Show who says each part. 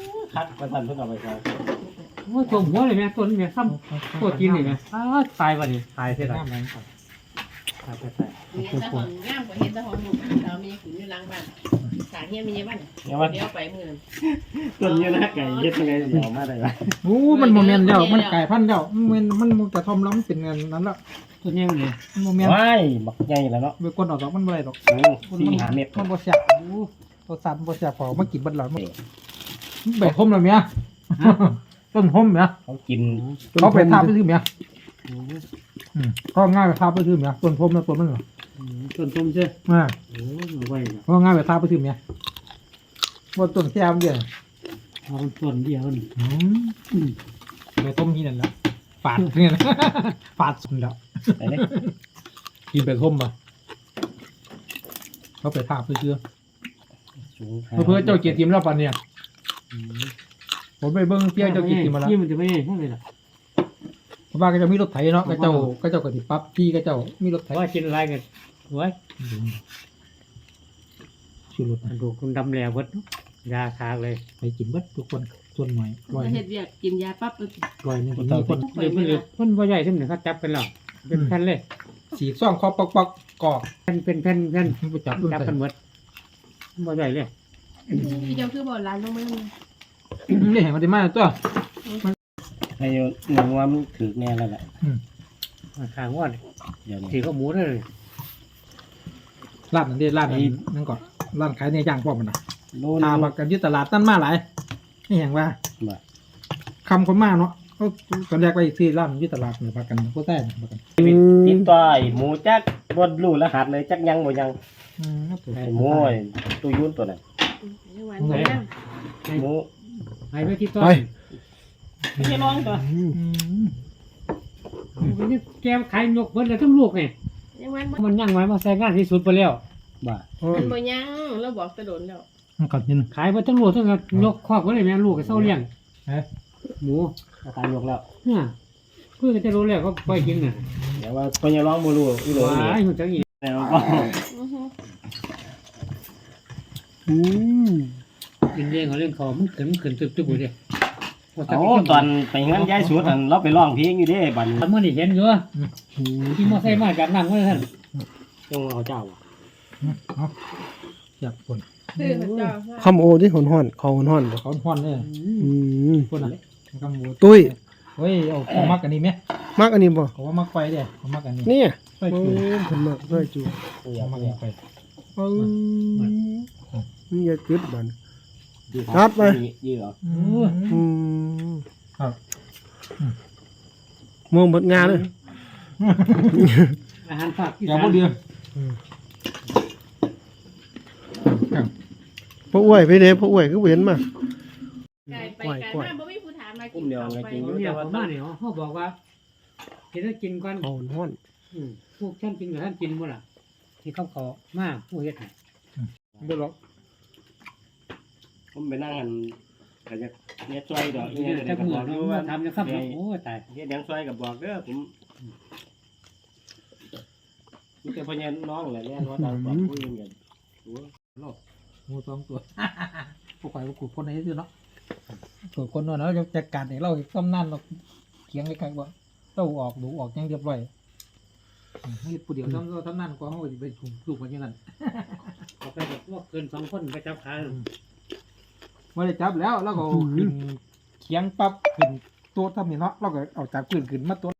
Speaker 1: คัดมาสั่นเพิ่งเอาไปครับ
Speaker 2: โอ้ตัวหัวเลยแม่ตัวนี้แม่ซ้ำตัวกินเลยแม่ตายวันนี้ตายเสียแล้วตาย
Speaker 3: มีแต่ของงามกว่าเห็นแต่ของหนุ่มเรามีขุนอยู่หลังบ้านสางเฮียมีบ้านเดี๋ยวไปเมือง
Speaker 1: ต้นนี้นะไก่เฮ็ดยังไงเดี๋ยวมาได้ไหม
Speaker 4: โอ้มันโมเมนต์เดียวมันไก่พันธุ์เดียวมันกระทอมแล้วมันเป็นเงินนั้นละ
Speaker 2: ตัวนี้เลย
Speaker 4: โมเมนต์
Speaker 1: ว้ายบักใหญ่แล้วเนาะ
Speaker 4: เบคอนออกดอกมันอะไรดอก
Speaker 1: 4-5 เม็ด
Speaker 4: มันบ่แซ่บตัวสันบ่แซ่บพอมากินบัดหลอดมันใบทมแล้วเมียต้นทมเมีย
Speaker 1: เขากิน
Speaker 4: เขาไปทาบไปซื้อเมียก็ง่ายไปทาบไปซื้อเมียต้นทมแล้วต้นมันเหรอ
Speaker 2: ต้นต้มใช่ โอ้ยไว้
Speaker 4: ก็ง่ายไปทาบไปซื้อเมียว่าต้นแซ่บเดียว
Speaker 2: เอาต้นเดียวนี่
Speaker 4: ไปต้มที่นั่นแล้วฝาดเนี่ยฝาดสุดแล้ว
Speaker 1: ไปเลย
Speaker 4: กินไปต้มมาเขาไปทาบไปซื้อเพื่อเจ้าเกียรติทีมแล้วปันเนี่ยผมไปเบิ้งเที่ยวเจ้าเกียรติทีมมาแล้ว
Speaker 2: ที่มันจะไม่ใช่เลยล่ะ
Speaker 4: เพราะว่าก็จะมีรถไถเนาะก็เจ้าก็ติปั๊บพี่ก็เจ้ามีรถไถ
Speaker 2: ว่ากินอะไรกันไว้
Speaker 4: ชื่อรถ
Speaker 2: ดูคุณดำแหลววัดยาคาเลย
Speaker 4: ไปกินเบิดทุกคนส่วนหน่อยร้อย
Speaker 3: เฮ็ดเวียกกินยาปั๊บ
Speaker 4: ร้อยนึงมีคน
Speaker 2: เดี๋ยวมันว่าใหญ่ที่หนึ่งเขาจับเป็นหรอเป็นแผ่นเลย
Speaker 4: สีซ่องคอปอกกอก
Speaker 2: เป็นแผ่น
Speaker 4: มันไปจับรุ่น
Speaker 2: จับ
Speaker 4: ใส่
Speaker 2: กันหมดว่าใหญ่เลย
Speaker 3: เจ้าคือบ่ร้านลงมา
Speaker 4: นี่เห็นมันได้มากตัว
Speaker 1: ให้หนึ่งว่ามันถือแน่แล้วแหละ
Speaker 2: ขางว่า
Speaker 1: เดี๋ยวนี้
Speaker 2: ถือข้าวหมูเลย
Speaker 4: ร้านนั่นดิร้านนั้นนั่นก่อนร้านขายในย่างป้อมมันนะ
Speaker 1: โน่น
Speaker 4: ทาบักกันที่ตลาดตั้นมาหลายนี่เห็นว่า
Speaker 1: บ่
Speaker 4: คำคนมาเนาะเขาตอนแรกไปที่ร้านที่ตลาดเนี่ยพักกันก็ได้พักกัน
Speaker 1: ติดต่อไอ้หมูจักบ่รู้รหัสเลยจักยังบ่ยัง
Speaker 4: ถูก
Speaker 1: ไอ้หมูไอ้ตู้ยุ่นตัวนั้นหมู
Speaker 2: ไปไปที่ต้น
Speaker 3: ไม่ใช่ร้องตัว
Speaker 2: นี่แกขายยกเบิ้ลเลยทั้งลูกไง
Speaker 3: ยังวัน
Speaker 2: มันย่างไว้มาใส่งานที่สุดไปแล้ว
Speaker 1: บ่า
Speaker 3: มันบ่ยังเราบอกกระโดดแล้ว
Speaker 4: มันกัดยิน
Speaker 2: ขายไปทั้งลูกทั้งยกครอบก็เลยแม่ลูกกับเศร้าเลี้ยงหมู
Speaker 1: อาการยกแล้ว
Speaker 2: เนี่ยเพื่อจะรู้แล้วก็ไปกินน่ะ
Speaker 1: เดี๋ยวว่าเพิ่นยังร้องบ่รู้อีโหล
Speaker 2: ว้า
Speaker 1: นี่
Speaker 2: ยหุ่นจังอี
Speaker 1: แล้วก็
Speaker 2: กินเลี้ยงเขาเลี้ยงเขามันขึ้นตึ๊บๆเลย
Speaker 1: เอาตอนไปงานย้ายสวนนั่นเราไปร้องเพลงอยู่เด้บัดนี้
Speaker 2: เมื่อนี่เห็นอยู่ที่มอไซค์มาจากนั่งไว้ท่าน
Speaker 1: จงเอาเจ้า
Speaker 4: อยากคน
Speaker 3: คือเจ้า
Speaker 5: คำโอที่หอนห่อนเขาหอนห่อนบ่
Speaker 4: เขาห่อนเนี่ย คนอะไรกำบู
Speaker 5: ตุ้ย
Speaker 4: เฮ้ยเอามักอันนี้ไหม
Speaker 5: มักอันนี้บ่
Speaker 4: เขาว่ามักไฟเด้เขามักอันนี้
Speaker 5: เนี่ย
Speaker 4: ไฟ
Speaker 5: โอ้
Speaker 4: จู
Speaker 5: ผมมักเพื่อจู
Speaker 4: เขามักอันนี้ไฟ
Speaker 5: นี่อย่าจุดบัน
Speaker 1: ยืด
Speaker 5: ครับไป
Speaker 1: ยืดเหรอ
Speaker 4: ครับ
Speaker 5: มองเบดงานเลย
Speaker 2: อาหารฝากที่
Speaker 4: อย่าพูดเดียว
Speaker 5: พ่ออ้วยไปเด้พ่ออ้วยคือบ่เห็นมา
Speaker 3: ไก่ไปไก่มาบ่มีผู้ถามมา
Speaker 1: กุ้มเดียวไงจริงอยู่
Speaker 2: เนี่ย
Speaker 1: แต่
Speaker 2: ผ
Speaker 1: ว่าม
Speaker 2: มาเนี่ยเขาบอกว่าเห็นแล้วกินก่อน
Speaker 5: เขาหอนห่อน
Speaker 2: พวกท่านกินกับท่านกินหมดล่ะที่เขาขอมากผู้เฮ็ดให้
Speaker 4: ไม่หรอก
Speaker 1: ผมไปนั่งกันก็จะเฮ็ดซอยดอกเนี่ย
Speaker 2: แต่
Speaker 1: ก็
Speaker 2: เมื่
Speaker 1: บ
Speaker 2: อ
Speaker 1: อกอ
Speaker 2: เรา
Speaker 1: ยู่ว่า
Speaker 2: ทำนะครับโอ้ตาย
Speaker 1: เฮ็ดหยังซอยก็บอกเด้อผมมีแต่พ่อใหญ่น้องแหละแน่นว่าตามบอกผู้อื่นกัน
Speaker 4: งูสองตัวพวกข่อยพวกขุดคนไหนซื้อเนาะส่วนคนนั้นเราจะจัดการเนี่ยเราต้มนั่นเราเคียงไว้ใครบ่เต้าออกดูออกยังเรียบร้อยนี่ผู้เดียวทำนั่นก็เขาจะไปถูกลูกมันอย่างนั้น
Speaker 2: เอาไปแบบพวกเกิน2 คนไปจับขา
Speaker 4: ไม่ได้จับแล้วเราก็ขึ้นเคียงปั๊บขึ้นตัวทำนี่เนาะเราก็เอาจากพื้นขึ้นมาตัว